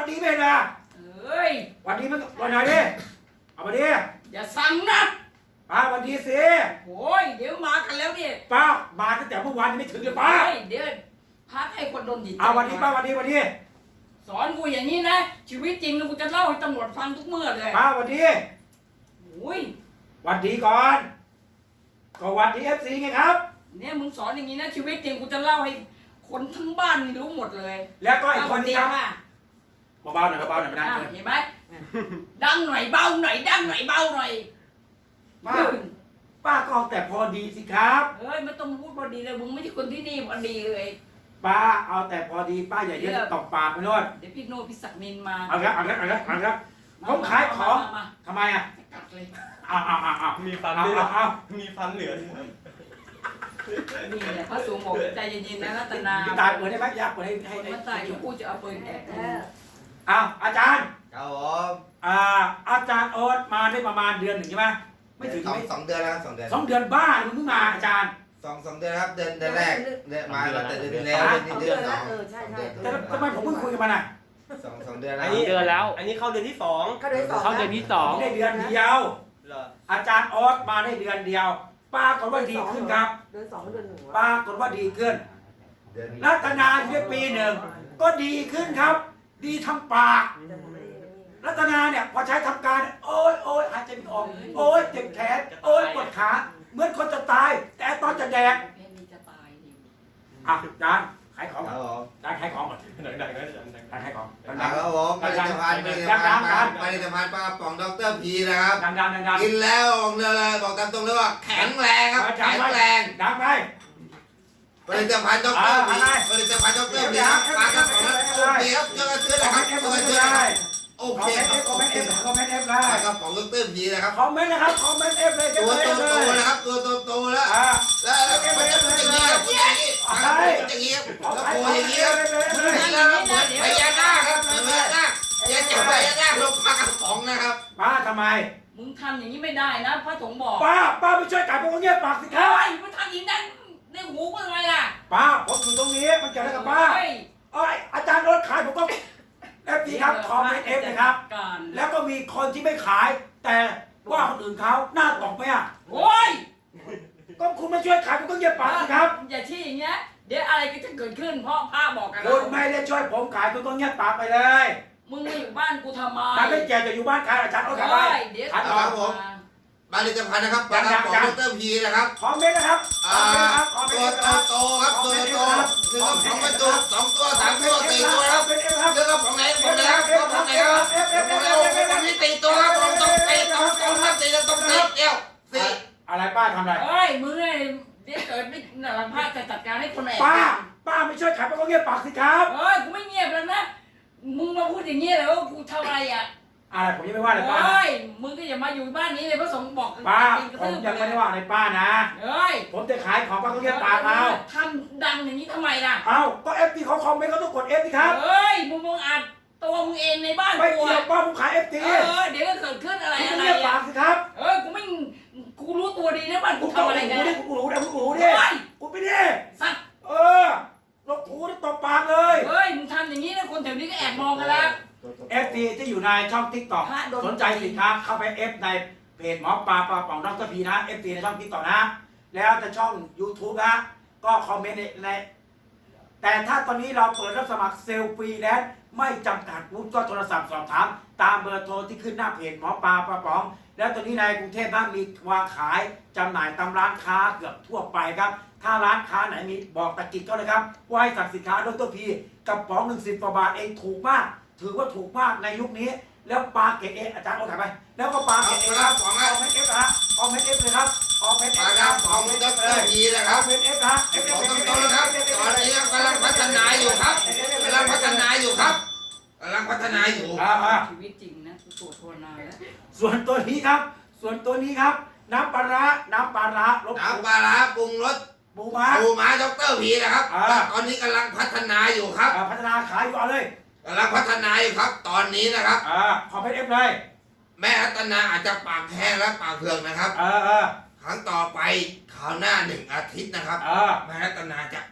ดีไม่นะเอ้ยวันดีมันวันไหนดิเอามาดิอย่าสั่งนะป้าวันดีสิโอ้ยเดี๋ยวมากันแล้วเนี่ยป้ามาตั้งแต่เมื่อวานยังไม่ถึงเลยป้าเดี๋ยวพักให้คนโดนดิเอาวันดีป้าวันดีวันดีสอนกูอย่างนี้นะชีวิตจริงกูจะเล่าให้ตำรวจฟังทุกเมื่อเลยป้าวันดีโอ้ยวันดีก่อนก็วันดีFCไงครับเนี่ยมึงสอนอย่างนี้นะชีวิตจริงกูจะเล่าให้คนทั้งบ้านรู้หมดเลยแล้วก็อีกคนนี้ครับเบาๆหน่อยเบาๆหน่อยไม่ได้เห็นไหมดังหน่อยเบาหน่อยดังหน่อยเบาหน่อยป้าก็เอาแต่พอดีสิครับเฮ้ยไม่ต้องพูดพอดีเลยมึงไม่ใช่คนที่นี่พอดีเลยป้าเอาแต่พอดีป้าอย่าเยอะตบปากไปโน่นเดี๋ยวพี่โน่พี่ศักดิ์นินมาเอาละผมขายของทำไมอ่ะกัดเลยเอามีฟันด้วยมีฟันเหลือนี่แหละพระสงฆ์บอกใจเย็นๆนะรัตนาตายเปิดได้ไหมยากเปิดให้มันตายอยู่กูจะเอาปืนแอบอาจารย์ครับผมอาจารย์โอ๊ตมาได้ประมาณเดือนหนึ่งใช่ไหมไม่ถึง 2 เดือนแล้ว2 เดือน 2 เดือนบ้ามึงเพิ่งมาอาจารย์ 2 เดือนครับเดือนแรกมาแต่เดือนแล้วเดือน2 ใช่แต่ทำไมผมเพิ่งคุยกับมันอ่ะ 2 เดือนแล้วอันนี้เข้าเดือนที่2 เข้าเดือนที่2 ได้เดือนเดียวอาจารย์โอ๊ตมาได้เดือนเดียวป้ากฏว่าดีขึ้นครับเดือน2เดือน1 ป้ากฏว่าดีขึ้นรัตนาอยู่ได้ปีหนึ่งก็ดีขึ้นครับดีทำปากรัตนาเนี่ยพอใช้ทำการโอ้ยหายใจไม่ออกโอ้ยเจ็บแขนโอ้ยปวดขาเหมือนคนจะตายแต่ตอนจะแดกจานขายของจานขายของก่อนดังๆนะจานขายของครับผมผลิตภัณฑ์ปลากระป๋องดร.พีนะครับดังกินแล้วบอกตามตรงเลยว่าแข็งแรงครับแข็งแรงดังไปผลิตภัณฑ์ดร.พีผลิตภัณฑ์ดร.พีครับปลากระป๋องดร.พีครับเจอกันนะครับเจอกันโอเคครับคอมเมนต์เอฟได้ครับของดร.พีนะครับคอมเมนต์นะครับคอมเมนต์เอฟเลยตัวโตนะครับตัวโตแล้วแล้วก็มันจะพูดอย่างนี้ครับพูดอย่างนี้อย่างนี้แล้วโผล่อย่างนี้ครับแล้วพญานาคครับพญานาคอย่าจับพญานาคลงปลากระป๋องนะครับป้าทำไมมึงทำอย่างนี้ไม่ได้นะพระสงฆ์บอกป้าไม่ช่วยกันพวกเงี้ยปากสิครับมึงทำอย่างนั้นในหูมึงอะไรล่ะป้าผมอยู่ตรงนี้มันเกี่ยวอะไรกับป้าอาจารย์รถขายผมก็เอฟดีครับคอมเมนต์เอฟนะครับแล้วก็มีคนที่ไม่ขายแต่ว่าคนอื่นเขาหน้าตกไหมอ่ะโอ้ยก็คุณไม่ช่วยขายผมก็เงียบปากสิครับอย่าชี้อย่างเงี้ยเดี๋ยวอะไรก็จะเกิดขึ้นเพราะพระบอกกันคุณไม่ได้ช่วยผมขายคุณต้องเงียบปากไปเลยมึงมาอยู่บ้านกูทำไมมันไม่แก่จะอยู่บ้านใครอาจารย์เอาขายไปขายต่อครับผมผลิตภัณฑ์นะครับปลากระป๋องดร.พีนะครับคอมเมนต์นะครับตัวโตครับตัวโตคือก็2 ประตู2 ตัว3 ตัว4 ตัวครับคือก็ของไหนครับของไหนครับของนี้4 ตัวครับต้องตีต้องครับ4ต้องตีเดียว4 อะไรป้าทำอะไรเฮ้ยมึงไอ้เดี๋ยวเกิดไม่หลังพระจะจัดการให้คนแอบป้าไม่ช่วยขายก็เงียบปากสิครับเฮ้ยกูไม่เงียบแล้วนะมึงมาพูดอย่างนี้เลยว่ากูทำอะไรอ่ะอะไรผมยังไม่ว่าเลยป้าเฮ้ยมึงก็อย่ามาอยู่บ้านนี้เลยพระสงฆ์บอกป้าผมยังไม่ได้ว่าอะไรป้านะเฮ้ยผมจะขายของป้าก็เงียบปากเอาทำดังอย่างนี้ทำไมล่ะเอาก็เอฟทีเขาคอมเมนต์เขาต้องกดเอฟสิครับเฮ้ยมึงอัดตัวมึงเองในบ้านกูไม่เกี่ยวป้าผมขายเอฟทีเดี๋ยวก็เกิดขึ้นอะไรเงียบปากสิครับกูรู้ตัวดีนะบ้านกูทำอะไรกันกูรู้ดิกูไปดิสัตว์ลบถูได้ตบปากเลยเฮ้ยมึงทำอย่างนี้นะคนแถวนี้ก็แอบมองกันแล้ว FT ที่อยู่ในช่อง TikTok สนใจสินค้าเข้าไป F ในเพจหมอปลาป่องดร.พีนะ FT ในช่อง TikTok นะแล้วจะช่อง YouTube นะก็คอมเมนต์ในแต่ถ้าตอนนี้เราเปิดรับสมัครเซลฟรีแล้วไม่จำกัดวุฒิก็โทรศัพท์สอบถามตามเบอร์โทรที่ขึ้นหน้าเพจหมอปลาป่องแล้วตอนนี้ในกรุงเทพนะมีวางขายจำหน่ายตามร้านค้าเกือบทั่วไปครับถ้าร้านค้าไหนมีบอกตะกิดก็เลยครับว่าให้สั่งสินค้าดร.พีกระป๋อง10 กว่าบาทเองถูกมากถือว่าถูกมากในยุคนี้แล้วปลาเกตเออาจารย์เอาถ่ายไปแล้วก็ปลาเกตเอครับของเอาเม็ดเอฟนะเอาเม็ดเอฟเลยครับเอาเม็ดเอฟครับของดร.พีนะครับเม็ดเอฟนะเอฟต้องนะครับตอนนี้กำลังพัฒนาอยู่ครับกำลังพัฒนาอยู่ครับกำลังพัฒนาอยู่ชีวิตจริงนะตัวโทนาแล้วส่วนตัวนี้ครับน้ำปลาร้าน้ำปลาร้าปรุงรสปูม้าดร.พีนะครับตอนนี้กำลังพัฒนาอยู่ครับพัฒนาขายอยู่เอาเลยกำลังพัฒนาอยู่ครับตอนนี้นะครับขอเพชรเอฟเลยแม่รัตนาอาจจะปากแห้งและปากเผือกนะครับครั้งต่อไปคราวหน้า1 อาทิตย์นะครับแม่รัตนาจะส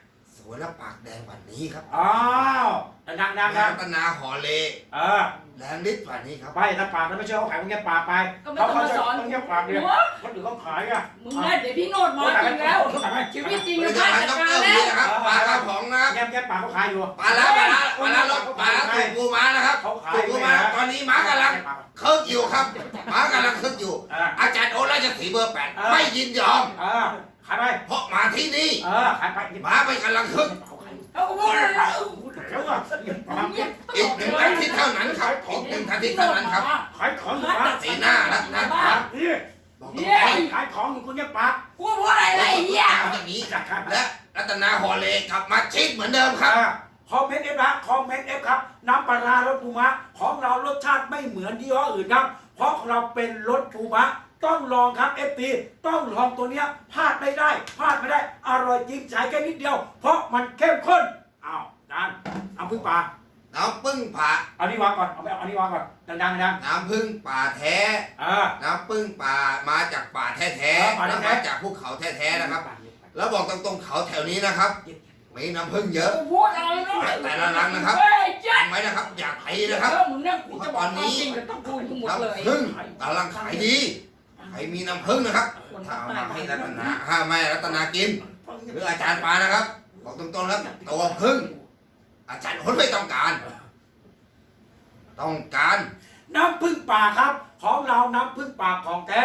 วยและปากแดงกว่านี้ครับอ้าวดังๆแม่นะรัตนาหอเล แรงฤทธิ์กว่านี้ครับไปถ้าปากแล้วไม่เชื่อเขาขายมึงแค่ปากไปก็ไม่ต้องมาสอนต้องแค่ปากเดียวหัวคนอื่นเขาขายอ่ะมึงนะเดี๋ยวพี่โนดมาจริงแล้วชีวิตจริงผลิจะตพลาภัดณฑ์จัดดการรแล้พีวนะครับปลากระป๋องนะครับแค่ปากเขาขายอยู่ปลาล้ารสปลาสูตรปูม้านะครับเขาขายสูตรปูม้าตอนนี้ม้ากำลังเคิร์กอยู่ครับม้ากำลังเคิร์กอยู่ อาจารย์โอราชสีห์เบอร์ 8ไม่ยินยอมขายไปเพราะมาที่นี่ขายไปม้าไม่กำลังเคิร์กเอาพูดเลยเดี๋ยวก่อนอีกหนึ่งอาทิตย์เท่านั้นครับอีกหนึ่งอาทิตย์เท่านั้นครับขายของอยู่สีหน้ารัตนาปากนี่บอกขายของอยู่คุณแค่ปากกูพูดอะไรเลยไอ้เหี้ยอย่างนี้และรัตนาหอเลกลับมาชิดเหมือนเดิมครับคอมเมนต์เอฟนะคอมเมนต์เอฟครับน้ำปลาร้ารสปูม้าของเรารสชาติไม่เหมือนยี่ห้ออื่นครับเพราะของเราเป็นรสปูม้าต้องลองครับ FP ต้องลองตัวเนี้ยพลาดไม่ได้พลาดไม่ได้อร่อยจริงใช้แค่นิดเดียว เพราะมันเข้มข้นอ้าวจานเอาพึ่งปลาน้ำผึ้งป่าเอานี่วางก่อนเอาอันนี้วางก่อนดังๆนะน้ำผึ้งป่าแท้ น้ำผึ้งป่ามาจากป่าแท้ๆแล้วมาจากภูเขาแท้ๆนะครับ แล้วบอกตรงๆเขาแถวนี้นะครับ มีน้ำผึ้งเยอะกูพูดอะไรนะแต่ละรังนะครับเฮ้ยเจ๊ทำไว้นะครับ อย่าไปนะครับมึงเนี่ยกูจะบอกความจริงกับต้องพูดทั้งหมดเลยน้ำผึ้งกำลังขายดีใครมีน้ำผึ้งนะครับถ้าเอามาให้รัตนาไม่รัตนากิน หรืออาจารย์ปานะครับ บอกตรงๆครับตัวผึ้งอาจารย์คนไม่ต้องการ ต้องการน้ำผึ้งป่าครับของเราน้ำผึ้งป่าของแท้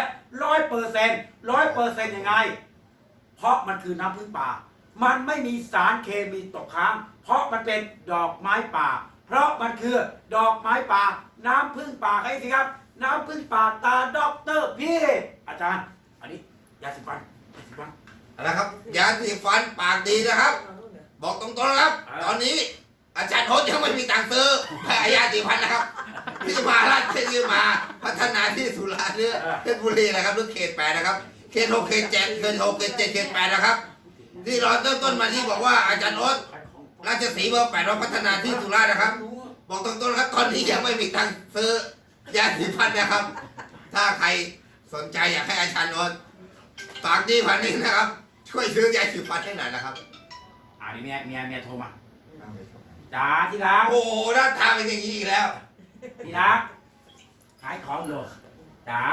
100%ยังไง เพราะมันคือน้ำผึ้งป่า มันไม่มีสารเคมีตกค้าง เพราะมันเป็นดอกไม้ป่า เพราะมันคือดอกไม้ป่า น้ำผึ้งป่าใครสิครับ น้ำผึ้งป่าตาด็อกเตอร์พี่อาจารย์ อันนี้ยาสีฟันยาสีฟันนะครับยาสีฟันปากดีนะครับ บอกตรงๆนะครับ ตอนนี้อาจารย์โฮสยังไม่มีตังค์ซื้อแพ้ยาสีฟันนะครับ ที่มาราชที่มาพัฒนาที่สุราษฎร์เนี่ยเพชรบุรีนะครับหรือเขต 8นะครับเขต 6เขต 7เขต 6เขต 7เขต 8นะครับที่เราเริ่มต้นมาที่บอกว่าอาจารย์โฮสราชสีห์เบอร์ 8เราพัฒนาที่สุราษฎร์นะครับ บอกตรงๆนะครับตอนนี้ยังไม่มีตังค์ซื้อยาสีฟันนะครับ ถ้าใครสนใจอยากให้อาจารย์โฮสฝากดีพันนี้นะครับ ช่วยซื้อยาสีฟันให้หน่อยนะครับอันนี้เมียโทรมาจ๋าที่รักโอ้โหหน้าตาเป็นอย่างนี้อีกแล้วที่รักขายของอยู่จ๋า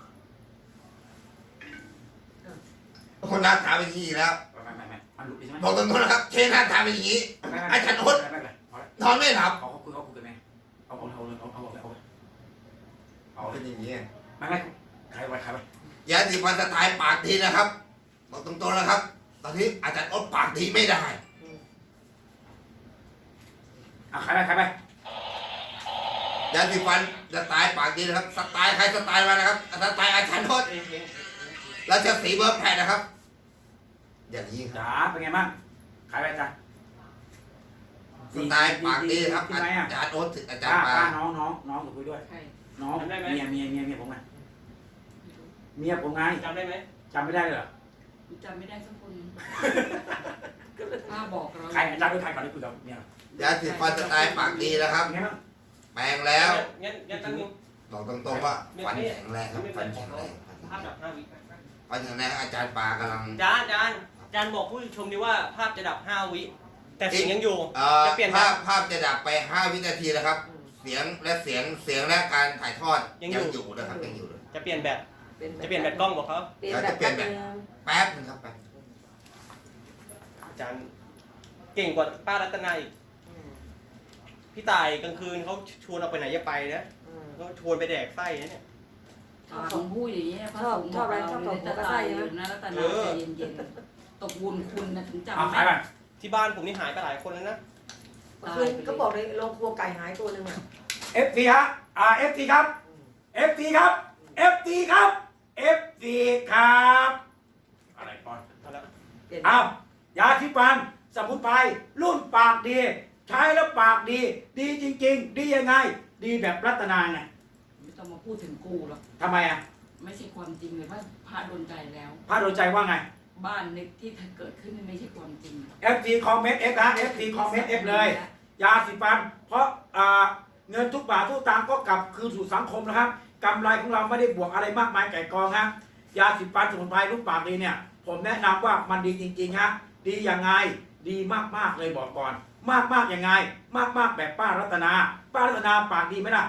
คนหน้าตาเป็นอย่างนี้อีกแล้วไม่มันหลุดดิใช่ไหมบอกตรงๆนะครับเชนหน้าตาเป็นอย่างนี้ อาจารย์โอ๊ต นอนไม่หลับเขาคุยกันไหมเอาเป็นอย่างนี้ไม่ใครไว้ยาสีฟันสไตล์ปากดีนะครับ บอกตรงๆนะครับ ตอนนี้อาจารย์โอ๊ตปากดีไม่ได้ใครไปยาสีฟันสไตล์ปากดีนะครับ สไตล์ใครสไตล์มานะครับ สไตล์อาจารย์โอ๊ตราชสีห์เบอร์ 8นะครับ อย่างนี้ครับจ๋าเป็นไงบ้างขายไปจ้ะสไตล์ปากดีครับ อาจารย์โอ๊ตอาจารย์ปาน้องคุยด้วยใครน้องเมียผมไงเมียผมไงจำได้ไหมจำไม่ได้เหรอกูจำไม่ได้สักคนป้าบอกเราใครอาจารย์ด้วยใครก่อนที่คุยกับเมียยาสีฟันสไตล์ปากดีนะครับเป็นไงบ้างแปลงแล้วงั้นตั้งนึงบอกตรงๆว่าฟันแข็งแรงครับฟันแข็งแรงภาพดับ5 วิฟันแข็งแรงอาจารย์ปากำลังจานบอกผู้ชมดีว่าภาพจะดับ5 วิ แต่เสียงยังอยู่ จะเปลี่ยนภาพจะดับไป5 วินาทีนะครับ เสียงและการถ่ายทอดยังอยู่นะครับยังอยู่เลยจะเปลี่ยนแบตกล้องบอกเขาจะเปลี่ยนแบบแป๊บนึงครับแป๊บอาจารย์เก่งกว่าป้ารัตนาอีกพี่ตายกลางคืนเขาชวนเราไปไหนจะไปนะเขาชวนไปแดกไส้นะเนี่ยผมพูดอย่างนี้พระสงฆ์บอกเราจะตายอยู่นะรัตนาใจเย็นๆตกบุญคุณนะถึงจำขายไปที่บ้านผมนี่หายไปหลายคนแล้วนะคืนก็บอกเลยโรงครัวไก่หายตัวหนึ่งอ่ะ FT ฮะFT ครับ FT ครับ FT ครับ FT ครับอะไรก่อนเอาละเปลี่ยนเอายาสีฟันสมุนไพรรุ่นปากดี ใช้แล้วปากดี ดีจริงๆ ดียังไง ดีแบบรัตนาไงไม่ต้องมาพูดถึงกูหรอกทำไมอ่ะไม่ใช่ความจริงเลยว่าพระโดนใจแล้วพระโดนใจว่าไงบ้านในที่เกิดขึ้นไม่ใช่ความจริง FT คอมเมนต์ F นะ FT คอมเมนต์ F เลย ยาสีฟัน เพราะเงินทุกบาททุกตังค์ก็กลับคืนสู่สังคมนะครับกำไรของเราไม่ได้บวกอะไรมากมายไก่กองฮะยาสีฟันสมุนไพรรุ่นปากดีเนี่ย ผมแนะนำว่ามันดีจริงๆฮะดียังไงดีมากๆเลยบอกก่อน มากยังไง มากแบบป้ารัตนา ป้ารัตนาปากดีไหมล่ะ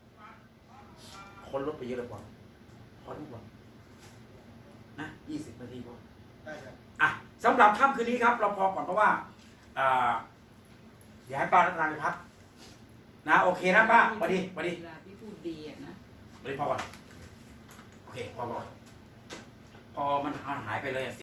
คนลดไปเยอะเลยก่อนพอทุกวันนะ20 นาทีพอได้ครับอ่ะสำหรับค่ำคืนนี้ครับ เราพอก่อนเพราะว่าอย่าให้ป้ารัตนาไปพักนะโอเคนะป้าสวัสดีเวลาพี่พูดดีอะนะพอก่อนโอเคพอก่อนพอมันหายไปเลย